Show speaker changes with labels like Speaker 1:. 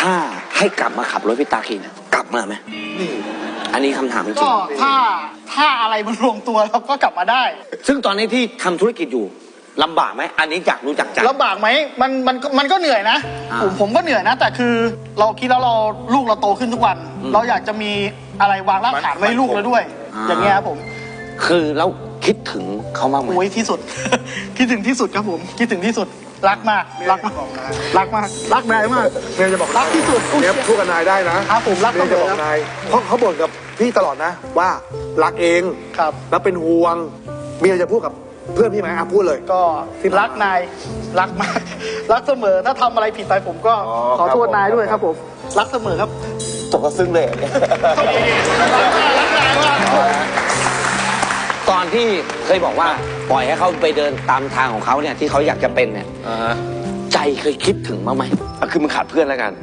Speaker 1: ถ้าให้กลับมาขับรถพี่ตาขี่นะกลับมาไหมอันนี้คำถามจริง
Speaker 2: ก็ถ้าอะไรมันลงตัวเราก็กลับมาได้
Speaker 1: ซึ่งตอนนี้ที่ทำธุรกิจอยู่ลำบากไหมอันนี้อยากรู้จักใจ
Speaker 2: ลำบากไหมมันก็เหนื่อยนะ ผมก็เหนื่อยนะ แต่คือเราคิดแล้วลูกเราโตขึ้นทุกวัน เราอยากจะมีอะไรวางรากฐานไว้ให้ลูกเราด้วย อย่างเงี้ยครับผม
Speaker 1: คือแล้วคิดถึงเขามากไหม
Speaker 2: โอ้ยที่สุด คิดถึงที่สุดครับผมคิดถึงที่สุดรักมากรักมากรักมากรักนายมาก
Speaker 3: เมียจะบอก
Speaker 2: รักที่สุด
Speaker 3: เมียพูดกับนายได้นะครับ
Speaker 2: ผมรัก
Speaker 3: เมียจะบอก
Speaker 2: ครับ
Speaker 3: นายเพราะเขาบ่นกับพี่ตลอดนะว่ารักเอง
Speaker 2: ครับ
Speaker 3: แล้วเป็นห่วงเมียจะพูดกับเพื่อนพี่ไหมพูดเลย
Speaker 2: ก็รักนายรักมากรักเสมอถ้าทำอะไรผิดไปผมก็
Speaker 3: อ๋อ
Speaker 2: ขอโทษ
Speaker 3: ครับผม
Speaker 2: นายด้วยครับผมรักเสมอครับ
Speaker 1: ตกกระซึ้งเลย
Speaker 2: รักนายมาก
Speaker 1: ตอนที่เคยบอกว่าปล่อยให้เขาไปเดินตามทางของเขาเนี่ยที่เขาอยากจะเป็นเนี่ยใจเคยคิดถึงบ้างไหม
Speaker 4: คือมึงขาดเพื่อนแล้วกัน